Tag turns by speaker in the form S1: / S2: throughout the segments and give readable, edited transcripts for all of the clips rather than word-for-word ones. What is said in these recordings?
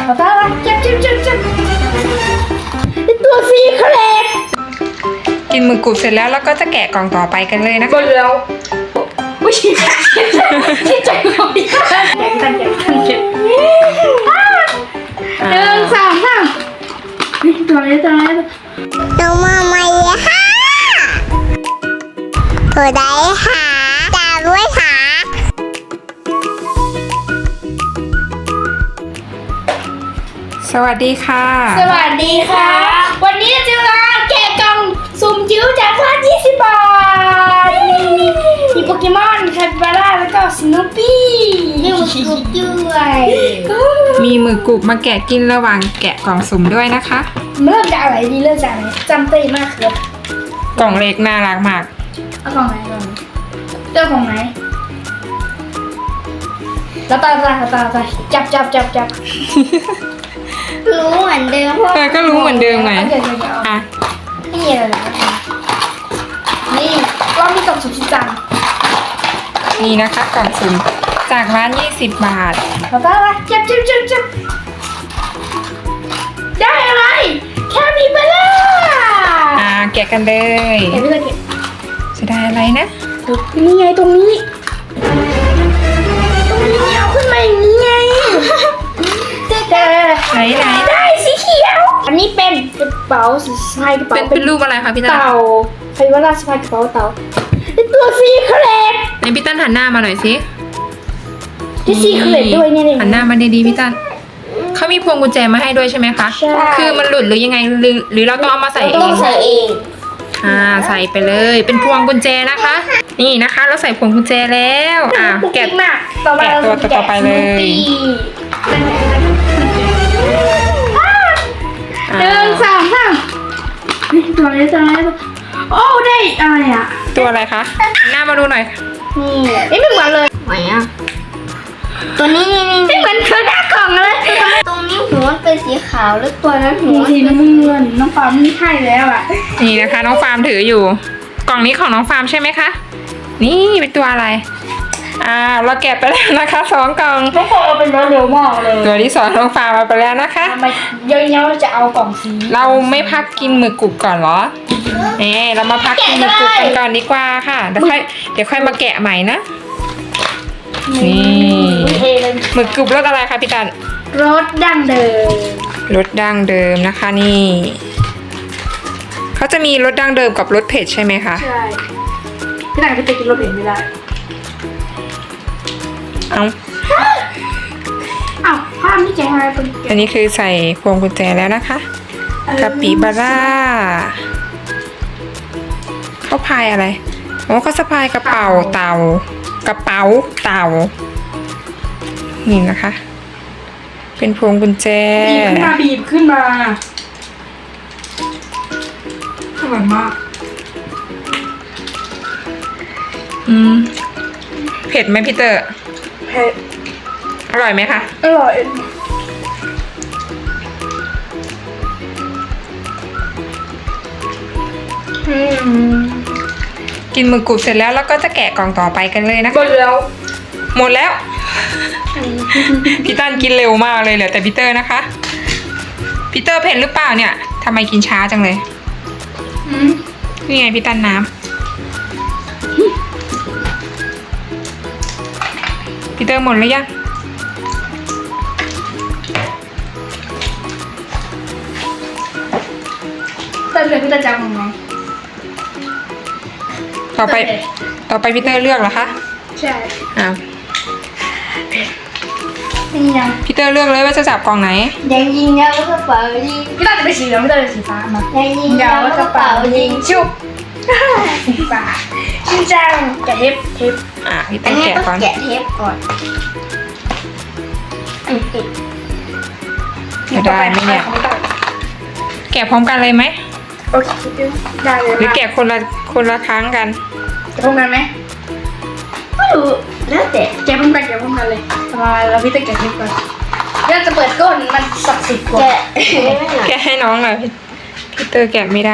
S1: เอาตาละจับตัวซีเครต
S2: กินหมึกกรุบเสร็จแล้วก็จะแกะกล่องต่อไปกันเลยนะ
S1: บนแล้วไม่ใช่ที่ใจของพี่แกะกัน1 2 3ตัวนี้
S3: น้องมาใหม่ค่ะตัวใดค่ะตาด้วยค่ะ
S2: สวัสดีค่ะ
S1: สวัสดีค่ะ วันนี้จะมาแกะกล่องสุ่มจิ๋วจากร้าน20 บาทมีโปเกมอนคาปิบาร่าแล้วก็สโนปี้มีหมึกกรุบด้วย
S2: มีหมึกกรุบมาแกะกินระหว่างแกะกล่องสุ่มด้วยนะคะ
S1: เริ่มจากอะไรดีเริ่มจากอะไรจำเป็นมากครับ
S2: กล่องเล็กน่ารักมาก
S1: เอากล่องไหนก่อนเจ้าของไหนแล้วตาจับ
S3: รู้เหมือนเดิม
S2: ก็รู้เหมือนเดิมไง
S1: เดี๋ยว
S2: อ่ะ
S1: ไม่มีอะไรเลยนี่กล้องที่กล่องสุดที่จัง
S2: นี่นะคะกล่องสุ่มจากร้าน20 บาท
S1: แล้วตาจับได้อะไรแค่มีเบล่า
S2: แกะกันเลย
S1: เห็นไหมเก็บ
S2: จะได้อะไรนะ
S1: นี่ไงตรงนี้เอาขึ้นมาอย่างนี้ไงได้
S2: ไหน
S1: ได้สีเขียว อันนี้เป็นกระเป๋าสะพายกระเป๋า
S2: เป็นรูปอะไรคะพี่ตั้น
S1: เต่าใครว่าราสะพายกระเป๋าเต่าเป็นตัวซีเครต
S2: ในพี่ตั้นหันหน้ามาหน่อยสิ
S1: ที่ซีเครตด้วยเนี่ย
S2: หันหน้ามาดีๆพี่ตั้นเขามีพวงกุญแจมาให้ด้วยใช่ไหมคะ
S1: ใช่
S2: คือมันหลุดหรือยังไงหรือเราต้องเอามาใส่เอ
S3: ต้อง
S2: ง
S3: ใส่เอง
S2: ใส่ไปเลยเป็นพวงกุญแจนะคะ นี่นะคะ เราใส่พวงกุญแจแล้วแกะ
S1: มากต่อไป
S2: แกะตัวต่อไปเลย
S1: 1 2 3ตัวนี้โอ้ได้อะไรอ่ะ
S2: ตัวอะไรคะหันหน้ามาดูหน่อย
S1: นี่ไม่เหมือนเลย
S3: ไหนอ่ะตัวนี้นี่
S1: ไม่เหมือนเธอหน้ากล่องเลย
S3: ตรงนี้หัวมันเป็นสีขาวแล้วตัวนั้นหัว
S1: สีน้ำเงินน้องฟ้าไม่ใช่แล้วอ่ะ
S2: นี่นะคะน้องฟาร์มถืออยู่ กล่องนี้ของน้องฟาร์มใช่ไหมคะนี่เป็นตัวอะไรเราแกะไปแล้วนะคะ2 กล่อง
S1: น้องฟ้าเอาเป็นเร็วมากเลย
S2: ตัวที่2น้องฟาร์มมาไปแล้วนะคะ
S1: ทำไมเยอะๆจะเอากล่องสี
S2: เราไม่พักกินหมึกกรุบก่อนเหรอเรามาพักกินหมึกกรุบกันก่อนดีกว่าค่ะเดี๋ยวค่อยมาแกะใหม่นะนี่
S1: เทเลย
S2: หมึกกรุบรสอะไรคะพี่ตัน
S1: รสดั้งเดิม
S2: รสดั้งเดิมนะคะนี่เขาจะมีรสดั้งเดิมกับรสเผ็ดใช่ไหมคะ
S1: ใช่พี่ต่างจะไปกินรสเผ็ดไม่ได้
S2: เอา
S1: อ้าวภาพนี่ใจหายเป็น
S2: อันนี้คือใส่พวงกุญแจแล้วนะคะกะปิบาร่าเขาพายอะไรเขาสะพายกระเป๋าเต่ากระเป๋าเต่านี่นะคะ เป็นพวงกุญแจ
S1: บีบขึ้นมาอร่อยมาก
S2: เผ็ดไหมพี่เตอร์
S1: เผ็ด
S2: อร่อยไหมคะ
S1: อร่อย
S2: กินหมึกกรุบเสร็จแล้วก็จะแกะกล่องต่อไปกันเลยนะคะ
S1: หมดแล้ว
S2: หมดแล้ว พี่ตั้นกินเร็วมากเลยเหลือแต่พี่เตอร์นะคะพี่เตอร์เผ็ดหรือเปล่าเนี่ยทำไมกินช้าจังเลยนี่ไงพี่ตั้นน้ำพี่เตอร์หมดหรือยัง
S1: แต่เหลือพี่ตาจังของไง
S2: ต่อไปพี่เตอร์เลือกเหรอคะ
S1: ใช่
S2: อ้าว
S1: ยังยัง
S2: พี่เตอร์เลือกเลยว่าจะจับกล่องไหน
S3: ยังยิงยาวกระเป๋ายิง
S1: พี่ตาจะเป็นสีเหลืองพี่ตาจะเป็นสีฟ้ามา
S3: ยังยิงยาวกระเป๋ายิง
S1: ชุบฟ้าชินจังแกะเทป
S2: พี่
S3: อั
S2: เตอน ร์
S3: นี้
S2: แกะ
S3: ต้
S2: ก่
S3: อ
S2: อง น
S3: แกะเทปก่อน
S2: จะได้ไหมเนี่ยแกะพร้อมกันเลยไหม
S1: โอเคได้เลย
S2: หรือแกะคนละครั้งกัน
S1: จะพร้อมกันไหม
S3: ไม่รู้แล้วแต่
S1: แกะพร้อมกันเลยมาแล้วพี่ตาแกะเทปก่อนเดี๋ยวจะเปิดก้นมันศักดิ์สิทธิ์กว่า
S3: แกะไม่หนัก
S2: แกะให้น้องหน่อยพี่เตอร์แกะไม่ได้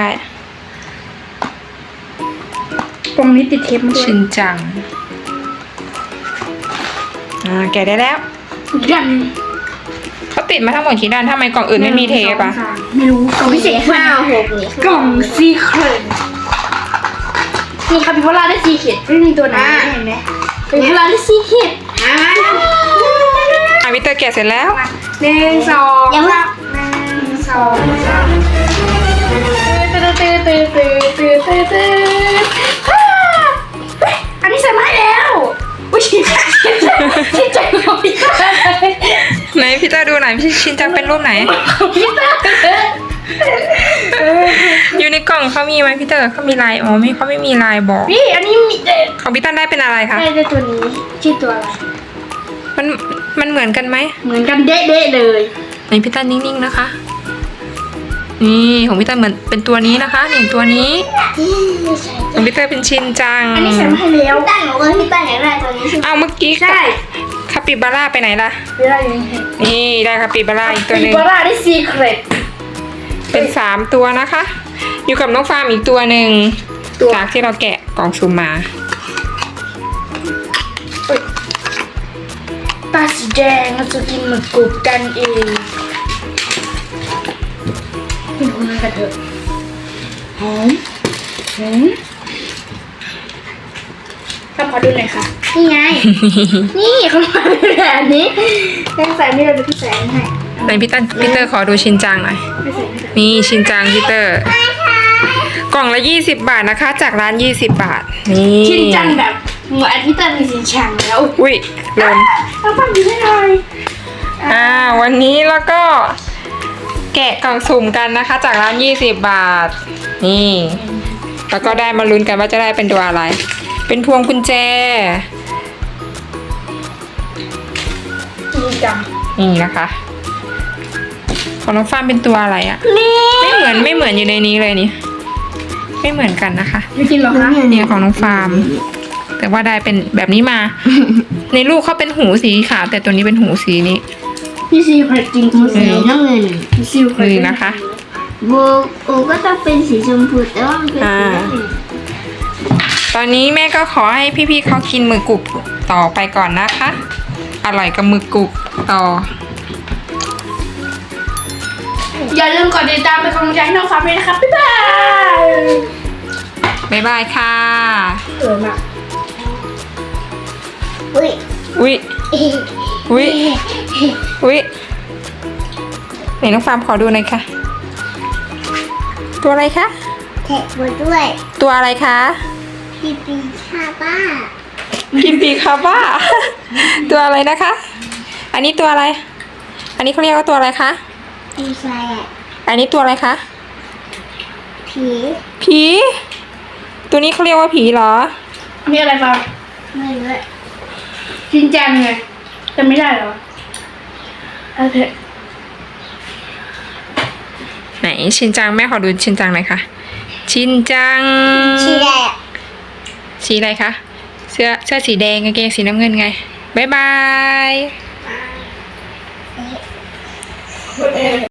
S1: ตรงนี้ติดเทปมันด้วย
S2: ชินจังแกะได้แล้ว
S1: ยัน
S2: เขาติดมาทั้งหมดกี่ด้านทำไมกล่องอื่นไม่มีเทปอะ
S1: ไม่รู้กล่องพิเศษ
S3: 5 6นี่
S1: กล่องซีเครตนี่คาปิบาร่าได้ซีเครตไม่มีตัวไหนเห็นไหมคาปิบาร่าได้ซีเครต
S2: วิเตอร์แกะเสร็จแล้ว
S1: 1 2
S3: ยังว่า
S1: 1 2 อันนี้ใส่มาให้แล้วอุ้ยชินจังของพี่เตอร์
S2: ไหนพี่เตอร์ดูหน่อยพี่ชินจังเป็นรูปไหน
S1: พี่เตอร์
S2: อยู่ในกล่องเขามีไหมพี่เตอร์เขามีลายอ๋อไม่เขาไม่มีลายบอก
S1: พี่อันนี้มี
S2: ของพี่ตันได้เป็นอะไรคะ
S1: ได้ตัวนี้ชื่อตัวอะไร
S2: มันเหมือนกันไหม
S1: เหมือนกันเด๊ะๆเลย
S2: ไหนพี่ตันนิ่งๆนะคะ นี่ของพี่ตันเหมือนเป็นตัวนี้นะคะนี่ตัวนี้ของพี่เตอร์เป็นชินจัง
S1: อันนี้ใส่มาให้แล้ว
S3: ตั้งหนูว่าพี่ตั้งอยากได้ตัวนี้ใช่ไหม
S2: เอาเมื่อกี้
S1: ใช่
S2: คาปิบาร่าไปไหนล่ะ
S1: เวลาอยู่ใน
S2: นี่ได้คาปิบาร่าอีกตัวหนึ่ง
S1: ปิบาร่าได้ซีเครต
S2: เป็น3ตัวนะคะ อยู่กับน้องฟาร์มอีกตัวหนึ่งจากที่เราแกะกล่องซุ่มมา
S1: ตาสีแดงเราจะกินหมึกกรุบกันเองกินคนนั้นกันเถอะหอมขอดูหน่อยค่ะ นี่ไง นี่เขามาเป็นแบบนี้แป้งใส่ไม่ได้เป็นพี่แสงให้
S2: ไหนพี่เตอร์ขอดูชินจังหน่อย
S1: ไม่ใส่ไม่ใส่
S2: นี่ชินจังพี่เตอร์ กล่องละ20 บาทนะคะ จากร้าน20 บาท นี่
S1: ชินจังแบบเหมือนพี่เตอร์มีชินจังแล้ว
S2: อุ้ยหล่น
S1: เอาปั้นดีได้เลย
S2: วันนี้แล้วก็แกะกล่องสุ่มกันนะคะ จากร้าน20 บาท นี่ แล้วก็ได้มาลุ้นกันว่าจะได้เป็นตัวอะไร เป็นพวงกุญแจ
S1: ชินจัง
S2: นี่นะคะ ของน้องฟ้ามเป็นตัวอะไรอะไม่เหมือนอยู่ในนี้เลยนี่ ไม่เหมือนกันนะคะ
S1: ไม่กินหรอคะ
S2: เนี่ยของน้องฟาร์ม แต่ว่าได้เป็นแบบนี้มา ในลูกเขาเป็นหูสีขาวแต่ตัวนี้เป็นหูสีนี้
S1: พี่ซีเครตจริง
S3: สีน้ำเงิน
S1: พี่ซีเครต
S2: นี่นะคะ
S3: โบโอก็ต้องเป็นสีชมพูแต่ว่ามันเป็นสีน้ำเงิน
S2: ตอนนี้แม่ก็ขอให้พี่ๆเขากินหมึกกรุบต่อไปก่อนนะคะ อร่อยกับหมึกกรุบต่อ
S1: อย่าลืมกดติดตามเป็นกำลังใจให้น้องฟ้าด้วยนะครับบ๊ายบาย
S2: บ๊ายบายค่ะ
S1: เออมาก
S3: อุ้ย
S2: อุ๊ย อุ๊ย อุ๊ยไหนน้องฟาร์มขอดูหน่อยค่ะ ตัวอะไรคะ
S3: แทะมาด้วย
S2: ตัวอะไรคะ
S3: พี่ปีชาบ้า
S2: กิมปีคาบ้า ตัวอะไรนะคะ อันนี้ตัวอะไร อันนี้เขาเรียกว่าตัวอะไรคะ
S3: ปีชายอ่ะ
S2: อันนี้ตัวอะไรคะ
S3: ผี
S2: ผี ตัวนี้เขาเรียกว่าผีเหรอ
S1: มีอะไรบ้าง
S3: ไม่รู้อะ
S1: ชินจังไงจะไม่ได้เหรอโอเค
S2: ไหนชินจังแม่ขอดูชินจังหน่อยค่ะ ชินจัง
S3: ชีแดง
S2: สีอะไรคะ เสื้อสีแดงกางเกงสีน้ำเงินไง บ๊ายบาย